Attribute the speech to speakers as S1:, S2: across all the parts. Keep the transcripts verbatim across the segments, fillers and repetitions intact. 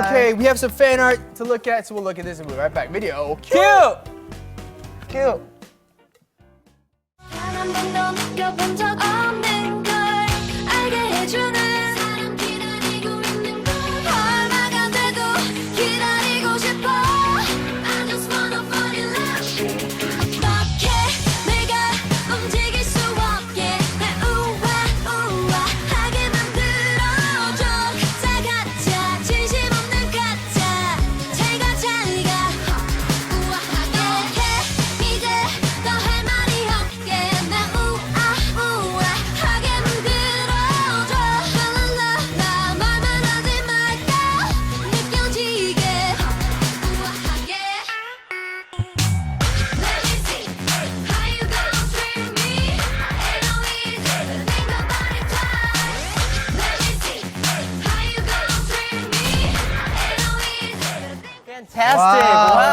S1: Okay, we have some fan art to look at, so we'll look at this and we'll be right back. Video cue!
S2: Cute.
S3: 한 번도 느껴본 적 없는 걸 알게 해주는 사람 기다리고 있는 걸 얼마가 돼도 기다리고 싶어 I just wanna fall in love 어떻게 내가 움직일 수 없게 날 우아우아하게 만들어줘 가짜 가짜 진심 없는 가짜 잘가 잘가 우아하게 해 이제 더 할 말이 없게 날 우아우아하게 만들어줘 랄랄라 말만 하지 말고 느껴지게 우아하게 Let me see how you gonna treat me Ain't no easy to think about it twice Let me see how you gonna treat me Ain't no easy to think
S4: Fantastic!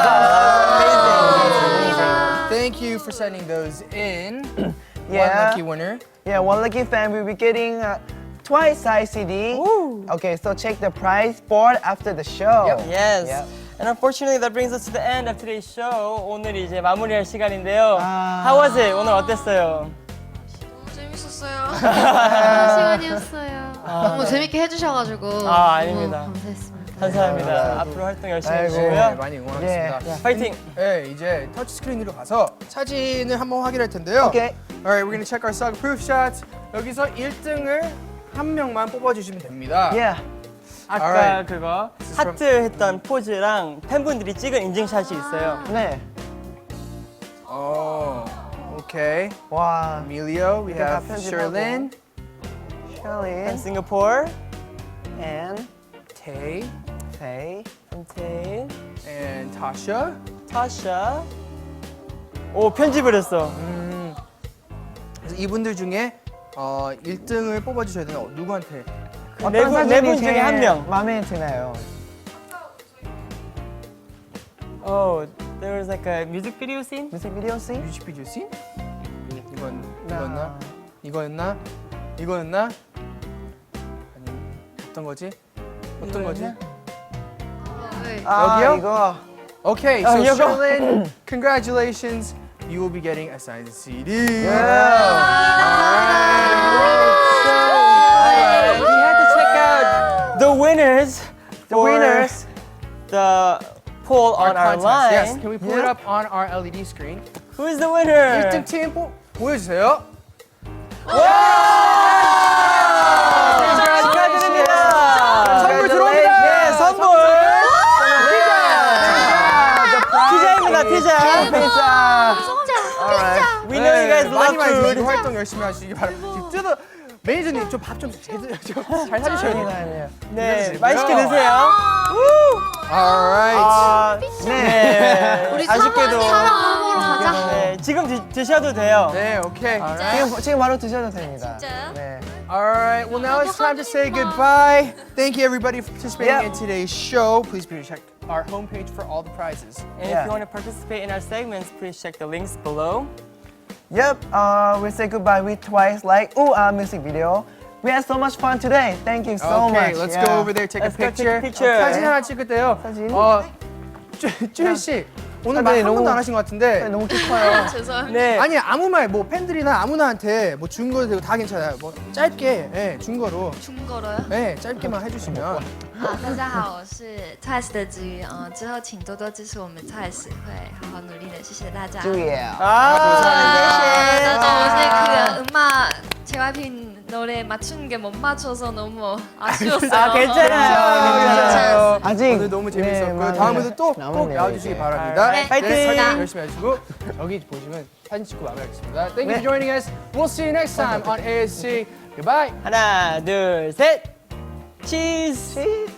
S4: Wow!
S1: Thank you for sending those in. One
S2: Yeah.
S1: lucky winner.
S2: Yeah, one lucky fan will be getting uh, Twice size C D. Okay, so check the price board after the show.
S1: Yep.
S4: Yes.
S2: Yep.
S4: And unfortunately, that brings us to the end of today's show. 오늘 이제 마무리할 시간인데요.
S2: 아.
S4: How was it? 오늘 어땠어요?
S5: 너무 재밌었어요. 시간이었어요. 너무 재밌게 해주셔가지고
S4: 아, 아닙니다.
S5: 너무 감사했습니다.
S4: 감사합니다. 앞으로 활동 열심히
S2: 아이고.
S1: 네,
S4: 해주시고요.
S1: 많이 응원하겠습니다.
S2: 네.
S4: 파이팅!
S1: 네, 이제 터치 스크린으로 가서 사진을 한번 확인할 텐데요.
S2: Okay.
S1: Alright, we're gonna check our Sug proof shots. 여기서 일 등을 한 명만 뽑아주시면 됩니다.
S2: Yeah.
S4: 아까
S1: Alright.
S4: 그거
S1: is from-
S4: 하트 했던 포즈랑 팬분들이 찍은 인증샷이 있어요.
S2: 네.
S1: Oh, okay.
S2: 와.
S1: Emilio, we
S2: 이렇게 다
S1: have
S2: 편집하고.
S1: Sherlyn,
S2: Shelly
S4: 싱가포르,
S2: and
S1: Tay,
S2: Faye.
S4: 한테,
S1: and Tasha.
S4: 타샤. 오, 편집을 했어.
S1: 그래서 이분들 중에 어, 일 등을 뽑아주셔야 되는 어, 누구한테?
S2: 어떤
S4: 네 분- 네
S2: 사진이
S4: 분 중에
S2: 제일
S4: 한 명.
S2: 마음에 드나요?
S4: Oh, there was like a music video scene?
S2: 뮤직비디오 씬?
S1: 뮤직비디오 씬? 이건
S2: 나.
S1: 이거였나? 이거였나? 이거였나? 아니 어떤 거지? 어떤 거지?
S5: 네.
S2: 아,
S1: 여기요?
S2: 이거.
S1: Okay,
S4: 아,
S1: so
S4: 이거.
S1: Sherlyn, congratulations. You will be getting a signed C D.
S4: Alright, we had to check out the winners.
S2: The
S4: for
S2: winners.
S4: The poll on our
S1: contest.
S4: line.
S1: Yes, can we pull it
S2: Yeah.
S1: up on our L E D screen?
S4: Who is the winner?
S1: 일 등 팀 보, 보여주세요.
S4: 축하드립니다.
S1: 선물 들어옵니다.
S4: 네, 선물. 피자입니다, 피자.
S2: 피자.
S4: We know you guys
S1: 네, 많이
S4: love
S1: 많이
S4: food.
S1: 드시고 활동 열심히 하시기 바랍니다. 지금 뜯어 매니저님 좀 밥 좀 제대로 좀잘 사주셔야 돼요.
S2: 아니에요.
S4: 네,
S1: 드시고요.
S4: 맛있게 드세요.
S1: Alright.
S4: 아,
S2: 네.
S4: 네.
S5: 우리
S4: 아쉽게도.
S5: 사랑 먹으러 가자.
S4: 네, 지금 드, 드셔도 돼요.
S1: 네, 오케이.
S2: 지금 지금 바로 드셔도 됩니다.
S5: 진짜요?
S2: 네.
S1: Alright, well now it's time to say goodbye. Thank you everybody for participating
S2: Yep.
S1: in today's show. Please be sure to check our homepage for all the prizes.
S4: And
S2: Yeah.
S4: if you want to participate in our segments, please check the links below.
S2: Yep. Uh, we say goodbye with Twice like Ooh Ah music video. We had so much fun today. Thank you so
S1: okay,
S2: much.
S1: let's
S2: Yeah.
S1: go over there, take
S4: Let's
S1: a
S4: go take
S1: picture.
S4: a picture.
S1: 사진 하나 찍을 때요.
S2: 사진?
S1: 어, 쭈 씨 오늘 말
S2: 네,
S1: 한
S2: 너무-
S1: 번도 안 하신 것 같은데.
S2: 네, 너무 키 커요.
S5: 죄송합니다.
S4: 네.
S1: 아니 아무 말 뭐 팬들이나 아무나한테 뭐 준 거도 되고 다 괜찮아요. 뭐 짧게 예, 준 거로
S5: 준 거로요?
S1: 예, 짧게만 해주시면
S6: 啊，大家好，我是 Twice 的子瑜，嗯、之后请多多支持我们 Twice，会好好努力的，谢谢大家。
S2: 주예요.
S4: 아,
S6: 저 어제 그 음악 제이와이피 노래 맞추는 게 못 맞춰서 너무 아쉬웠어요.
S4: 아, 괜찮아요.
S1: 괜찮아요.
S2: 아직
S1: 오늘 너무 재밌었고요.
S2: 네,
S1: 다음에도 또 꼭
S2: 남았네요,
S1: 나와주시기
S2: 이제.
S1: 바랍니다.
S4: 네, 파이팅!
S1: 사진 열심히 해주시고 여기 보시면 사진 찍고 마무리하겠습니다. Thank you for joining us. We'll see you next time on A S C. Goodbye.
S4: 하나, 둘, 셋. 치즈.
S2: 치.